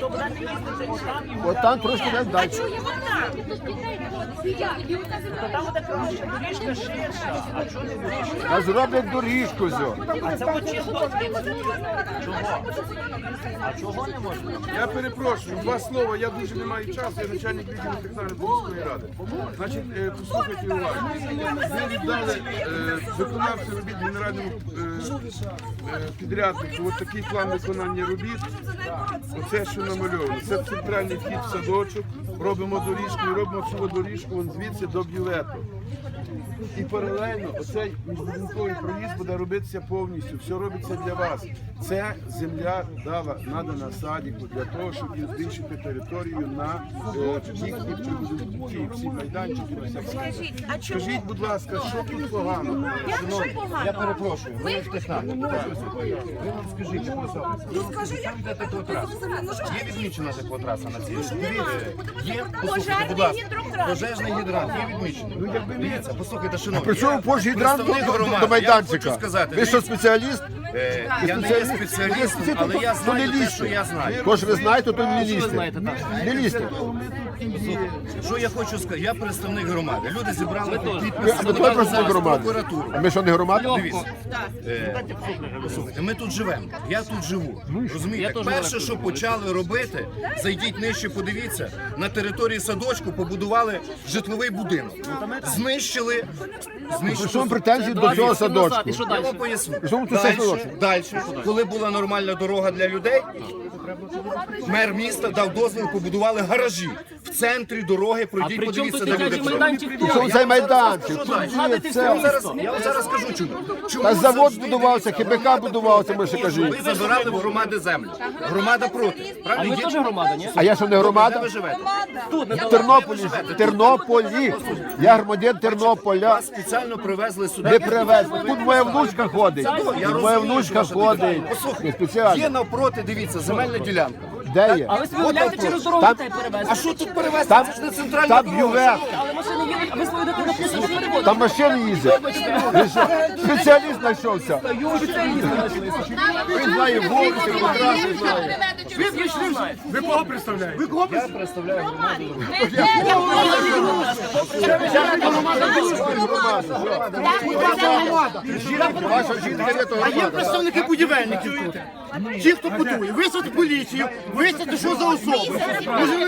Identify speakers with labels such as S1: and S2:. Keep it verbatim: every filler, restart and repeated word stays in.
S1: що вона не їздить отам і
S2: От там трошки не
S3: А
S2: далі.
S3: чого так?
S1: то там буде краще, доріжка ширша, а чого не вирішує?
S2: А зроблять доріжку зо.
S1: А це от чисто чого? А чого не можна?
S4: Я перепрошую, два слова, я дуже не маю часу, я начальник відділу технально-поміської ради. Значить, е, послухайте уважно. Ви віддали е, виконавцю робіт генеральному е, е, підряднику ось такий план виконання робіт. Оце, що намальовано. Це центральний вхід в садочок, робимо доріжку і робимо цю доріжку вон звідси до бювету. І паралельно оцей міжбудинковий проїзд буде робитися повністю, все робиться для вас. Це земля дала, надана садіку для того, щоб їм збільшити територію на е, їхні прибудинки, всі майданчики. Всі.
S3: Скажіть, а чому?
S4: Скажіть, будь ласка, що тут погано?
S3: Як що погано?
S5: Я перепрошую, ви ж технарі. Ви нам скажіть, яку особу?
S3: Ну скажи, як
S5: Там йде теплотраса. Є відмічена теплотраса на цій? Є, послухайте,
S3: Пожежний
S5: будь ласка,
S3: гідрокран.
S5: пожежний гідрант, є відмічений. Дивіться, послухайте, шановні.
S2: При чому
S5: я
S2: пожгідрант
S5: представник
S2: до, до,
S5: громади.
S2: до майданчика?
S5: Я хочу сказати,
S2: Ви що, спеціаліст?
S5: Е, я не є спеціалістом, але я
S2: То не
S5: знаю те,
S2: лізьте.
S5: що я знаю.
S2: То ж ви знаєте, то не лізьте. Не лізьте.
S5: Що я хочу сказати? Я представник громади. Люди зібрали
S2: Ви-
S5: підписи,
S2: А ви теж
S5: подали
S2: представник
S5: зараз в
S2: громади?
S5: прокуратуру.
S2: А ми що, не громада?
S5: Дивіться, е, послухайте, ми тут живемо, я тут живу. Розумієте, перше, що почали робити, зайдіть нижче, подивіться, на території садочку побудували житловий будинок. Знищили,
S2: Що
S5: знищили.
S2: вам претензії до цього садочку?
S5: Я вам поясню.
S2: Що вам тут це
S5: Дальше,
S2: садочок?
S5: далі, коли була нормальна дорога для людей, мер міста дав дозвіл, побудували гаражі. В центрі дороги пройдіть, подивіться, де люди живуть.
S2: Що цей майданчик?
S5: Що
S2: Тут
S5: далі?
S2: є
S5: Я
S2: це.
S5: вам зараз, я вам зараз скажу чому. Чому
S2: Та завод
S5: завжди
S2: будувався,
S5: дивіться,
S2: ХБК будувався, ми ще
S5: ви
S2: кажіть.
S5: забирали в громади землю. Громада проти. Правильно?
S6: Ми теж громада, ні?
S2: А я що, не
S5: Де
S2: громада?
S5: ви живете?
S2: В Тернополі. В Тернополі. Я громадян Тернополя.
S5: Вас спеціально привезли сюди.
S2: Не привезли. Тут моя внучка ходить.
S5: Я
S2: Тут
S5: розумію,
S2: моя внучка
S5: що ваша
S2: ходить.
S5: дитина. Послухайте,
S2: Не спеціально.
S5: Є навпроти, дивіться, земельна ділянка.
S2: Де є?
S6: А ви собі уявляєте через дорогу
S2: Там-
S6: дітей перевезти?
S5: А що тут перевезти?
S2: Там,
S5: Це ж не центральна
S2: там
S5: дорога.
S2: бювет,
S6: Але машини їдуть, а ви свою дитину просто не перевозите.
S2: там машини їздять. Ви що, спеціаліст знайшовся? Він знає вулиці, одразу знає.
S4: Ви кого представляєте?
S5: Я представляю громаду.
S2: Ваша жінка є то громада.
S7: Представники будівельників тут. Ті, хто будує, висадити поліцію, висадити, що за особи. Може,